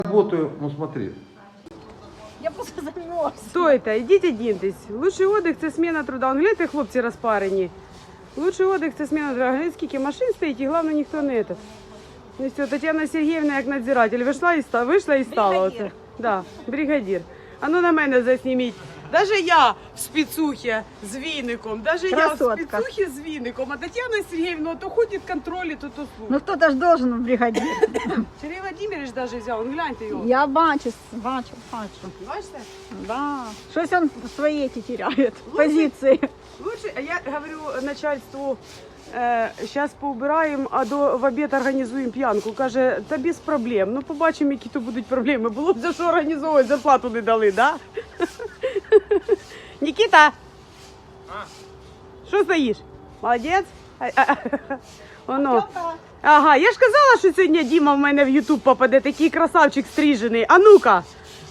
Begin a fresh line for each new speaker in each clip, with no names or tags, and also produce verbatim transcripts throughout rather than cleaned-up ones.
Работаю, ну смотри.
Я просто замерз.
Стойте, йдіть одіньтесь. Лучший отдих – це зміна труда. Он, гляньте, хлопці розпарені. Лучший отдих – це зміна труда. Гляньте, скільки машин стоїть, і головне, ніхто не этот. Ну все, Тетяна Сергіївна, як надзиратель, вийшла і стала. Вийшла і стала.
Бригадір.
Оце. Да, бригадір. А ну на мене засніміть. Даже я в спецухі з віником, даже
Красотка.
я в спецухі з віником, а Тетяна Сергіївна то ходить контролі, то то слухає.
Ну кто-то ж должен в бригаді.
Сергій Владимирович даже взяв, он гляньте його.
Я бачу, бачу, бачу.
Бачите?
Да. Щось він свої ті теряє, позиції.
Лучше, я говорю начальству, зараз поубираємо, а до в обід організуємо п'янку. Каже, та без проблем. Ну побачимо, які то будуть проблеми. Було б за що організовувати, зарплату не дали, да? Нікіта! Що стоїш? Молодець? Оно. Ага, я ж казала, що сьогодні Діма в мене в Ютуб попаде, такий красавчик стрижений. А ну-ка!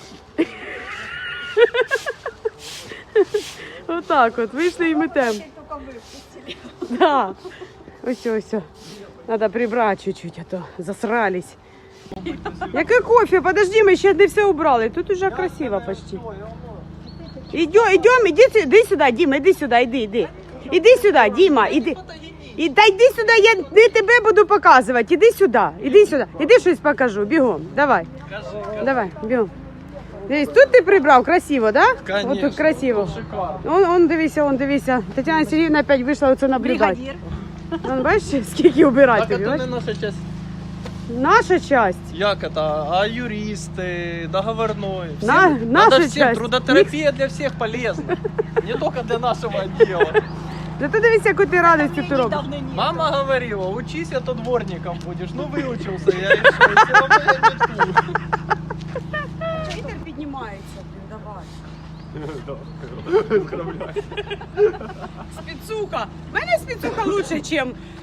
Отак от, вийшли і метем. Да. Ось, ось. Надо прибрати чуть-чуть, а то засрались. Яке кофе? Подожди, ми ще не все убрали. Тут уже красиво почти. Идем, идем, иди, иди сюда, Дима, иди сюда, иди, иди. Иди сюда, Дима, иди. І, та йди сюди, я не тебе буду показувати. Іди сюди, іди сюди. Іди щось покажу, бігом. Давай. Давай, бігом. Дивись, тут ти прибрав, красиво, да?
Конечно.
Ось тут красиво.
Шикарно.
Он, он, дивися, он, дивися. Тетяна Сергіївна опять вийшла оце наблюдати.
Бригадір.
Он, бачиш, скільки убирати
Так
тобі,
это не
бачиш?
наша часть.
Наша часть.
Як это? А юристы, договорной. Всем-
На-
надо
наша
всем.
часть.
Трудотерапия для всех полезна. Не только для нашего отдела.
Зато дивися, яку ти радості ти робиш.
Мама говорила, учись, а то дворником будешь. Ну выучился я, и что, все равно я не тут.
Вітер піднімається, давай. Спецуха. У мене спецуха лучше, ніж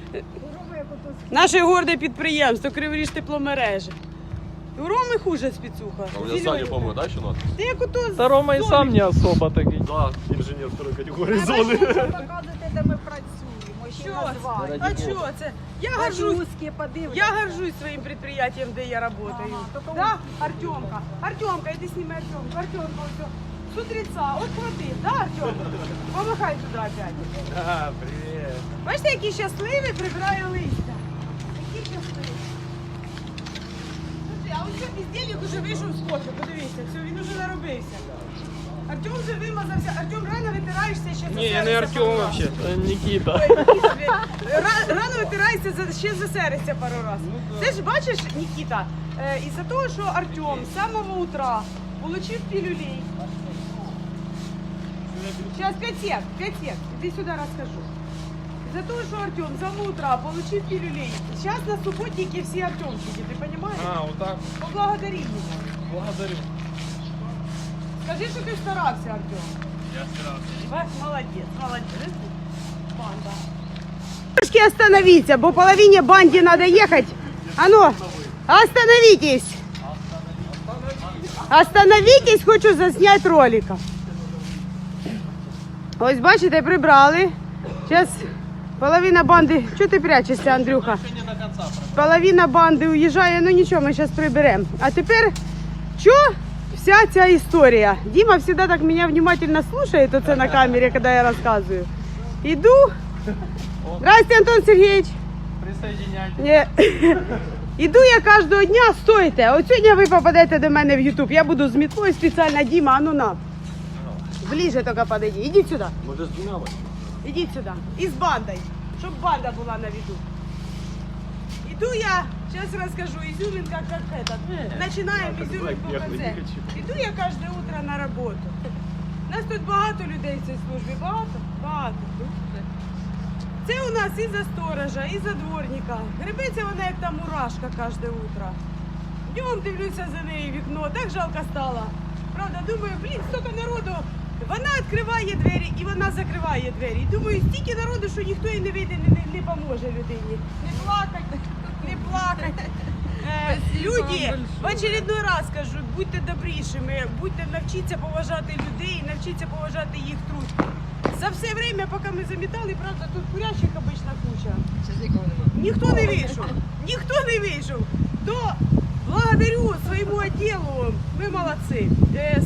наше горде підприємство Криворіж тепломережі. У Роми хуже спецуха.
А у меня Саня, по-моему, да, еще надо?
Ти як ото з
Да Рома и
домик.
сам не особо такой.
Да, инженер второй категории зоны.
Показуйте, де ми працюємо, ще
Що?
назвати.
А що це? Я горжусь.
Пожузки, подивляться.
Я горжусь своим предприятием, где я работаю.
Ага, только
Да, Артемка? Артемка, иди сними Артемку. Артемка, все. С утреца, от хвати, да, Артемка? Помахай туди опять.
А, привет.
Бачите, який щасливий прибирає листя. Який щасливий. Слухай, а ось що бездельник уже вийшов з кофе, подивіться, все, він уже наробився. Артем вже вимазався. Артем, рано витираєшся ще
Не, я не Артем вообще, это Никита.
Ра- Рано витираєшся, за- ще засеришся пару раз. Це ж бачиш, Нікіта, е, із-за того, що Артем з самого утра получив пілюлей. Сейчас пять сек, пять сек. Иди сюда расскажу. Из-за того, что Артем с самого утра получил пилюлей. Сейчас на субботнике все Артемчики, ты понимаешь?
А, вот так.
Поблагодари его.
Благодарю.
Скажи, что ты старался, Артем.
Я старался.
Ва, Молодец, молодец. Банда. Трошки остановиться, бо половине банде надо ехать. А ну, остановитесь. Остановитесь, хочу заснять ролика. Ось бачите, прибрали. Зараз половина банди. Чого ти прячешся, Андрюха?
Еще не до конца пробовал.
Половина банди уїжджає, ну нічого, ми зараз приберемо. А тепер, що вся ця історія? Діма завжди так мене внимательно слухає, то це на камері, коли я розказую. Іду. Здравствуйте, Антон Сергійович.
Присоединяйтесь.
Ні. Іду я кожного дня, стойте. От сьогодні ви попадете до мене в Ютуб. Я буду з мітлою спеціально, Діма, а ну на. Ближе тільки подойди. Ідіть сюди.
Может, с двумя вот?
Ідіть сюди. І з бандою, щоб банда була на виду. Іду я, зараз розкажу, изюминка як этот. Починаємо изюминку в конце. Іду я кожне утро на роботу. Нас тут багато людей в цій службі, багато? Багато. Це у нас і за сторожа, і за дворника. Гребеться вона як та мурашка кожне утро. Днем дивлюся за нею в вікно, так жалко стало. Правда, думаю, блін, стільки народу. Вона відкриває двері і вона закриває двері. І думаю, стільки народу, що ніхто їй не вийде, не, не, не поможе людині. Не плакать, не плакать. Е, люди, в очередной раз кажу, будьте добрішими, будьте, навчіться поважати людей, навчіться поважати їх труд. За все время, поки ми замітали, правда, тут курящих обична куча. Ніхто не вийшов, ніхто не вийшов. До Благодарю своему отделу, вы молодцы. Э,